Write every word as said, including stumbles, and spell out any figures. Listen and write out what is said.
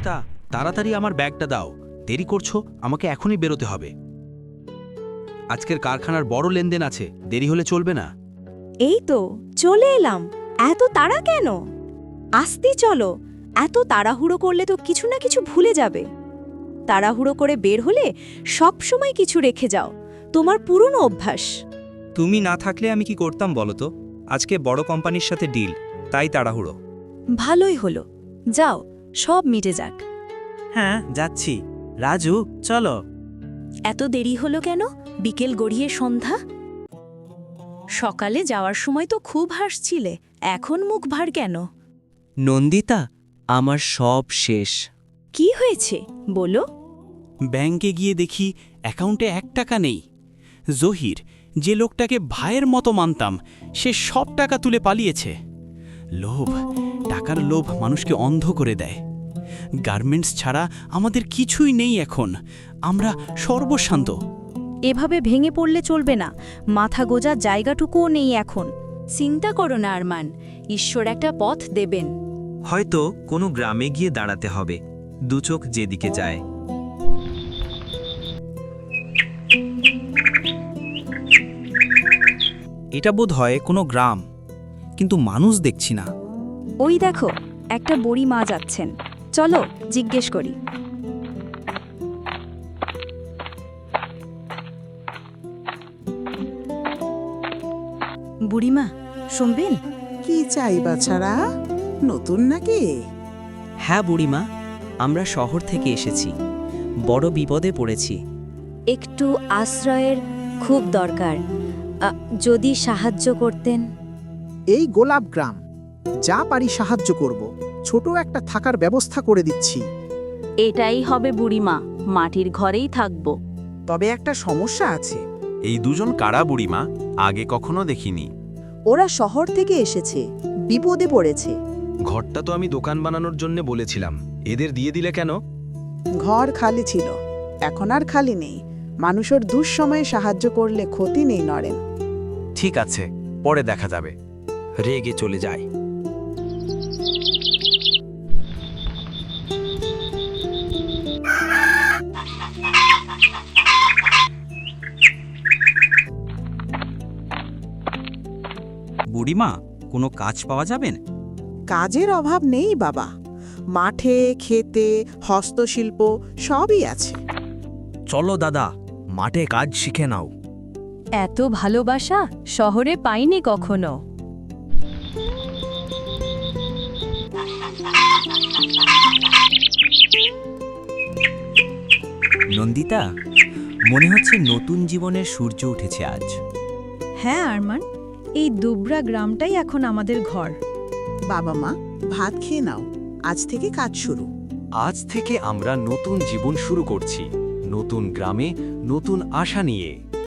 নন্দিতা, তাড়াতাড়ি আমার ব্যাগটা দাও। দেরি করছো, আমাকে এখনই বেরোতে হবে। আজকের কারখানার বড় লেনদেন আছে, দেরি হলে চলবে না। এই তো চলে এলাম। এত তাড়া কেন? আস্তে চলো। এত তাড়াহুড়ো করলে তো কিছু না কিছু ভুলে যাবে। তাড়াহুড়ো করে বের হলে সব সময় কিছু রেখে যাও, তোমার পুরনো অভ্যাস। তুমি না থাকলে আমি কি করতাম বলো তো? আজকে বড় কোম্পানির সাথে ডিল, তাই তাড়াহুড়ো। ভালোই হলো, যাও, সব মিটে যাক। হ্যাঁ যাচ্ছি। রাজু চলো। এত দেরি হলো কেন? বিকেল গড়িয়ে সন্ধ্যা। সকালে যাওয়ার সময় তো খুব হাসছিলে, এখন মুখ ভার কেন? নন্দিতা, আমার সব শেষ। কি হয়েছে বলো? ব্যাংকে গিয়ে দেখি অ্যাকাউন্টে এক টাকা নেই। জহির, যে লোকটাকে ভাইয়ের মতো মানতাম, সে সব টাকা তুলে পালিয়েছে। লোভ, টাকার লোভ মানুষকে অন্ধ করে দেয়। গার্মেন্টস ছাড়া আমাদের কিছুই নেই এখন, আমরা সর্বশান্ত। এভাবে ভেঙে পড়লে চলবে না, মাথা গোজার জায়গাটুকুও নেই এখন। চিন্তা করো না আরমান, ঈশ্বর একটা পথ দেবেন। হয়তো কোনো গ্রামে গিয়ে দাঁড়াতে হবে, দুচোখ যেদিকে যায়। এটা বোধ হয় কোনো গ্রাম, কিন্তু মানুষ দেখছি না। ওই দেখো, একটা বুড়ি মা যাচ্ছেন, চলো জিজ্ঞেস করি। বুড়িমা, শুনবেন? কি চাই বাছারা? নতুন নাকি? হ্যাঁ বুড়িমা, আমরা শহর থেকে এসেছি, বড় বিপদে পড়েছি। একটু আশ্রয়ের খুব দরকার, আ, যদি সাহায্য করতেন। এই গোলাপ গ্রাম, যা পারি সাহায্য করব। ছোট একটা থাকার ব্যবস্থা করে দিচ্ছি। এটাই হবে বুড়িমা, মাটির ঘরেই থাকবো। তবে একটা সমস্যা আছে। এই দুজন কারা বুড়িমা? আগে কখনো দেখিনি। ওরা শহর থেকে এসেছে, বিপদে পড়েছে। ঘরটা তো আমি দোকান বানানোর জন্য বলেছিলাম, এদের দিয়ে দিলে কেন? ঘর খালি ছিল, এখন আর খালি নেই। মানুষের দুঃসময়ে সাহায্য করলে ক্ষতি নেই নরেন। ঠিক আছে, পরে দেখা যাবে। রেগে চলে যায়। বুড়িমা, কোনো কাজ পাওয়া যাবেন? কাজের অভাব নেই বাবা। মাঠে, খেতে, হস্তশিল্প সবই আছে। চলো দাদা, মাঠে কাজ শিখে নাও। এত ভালোবাসা শহরে পাইনি কখনো। নন্দিতা, মনে হচ্ছে নতুন জীবনের সূর্য উঠেছে আজ। হ্যাঁ আরমান, এই দুবরা গ্রামটাই এখন আমাদের ঘর। বাবা মা, ভাত খেয়ে নাও, আজ থেকে কাজ শুরু। আজ থেকে আমরা নতুন জীবন শুরু করছি, নতুন গ্রামে, নতুন আশা নিয়ে।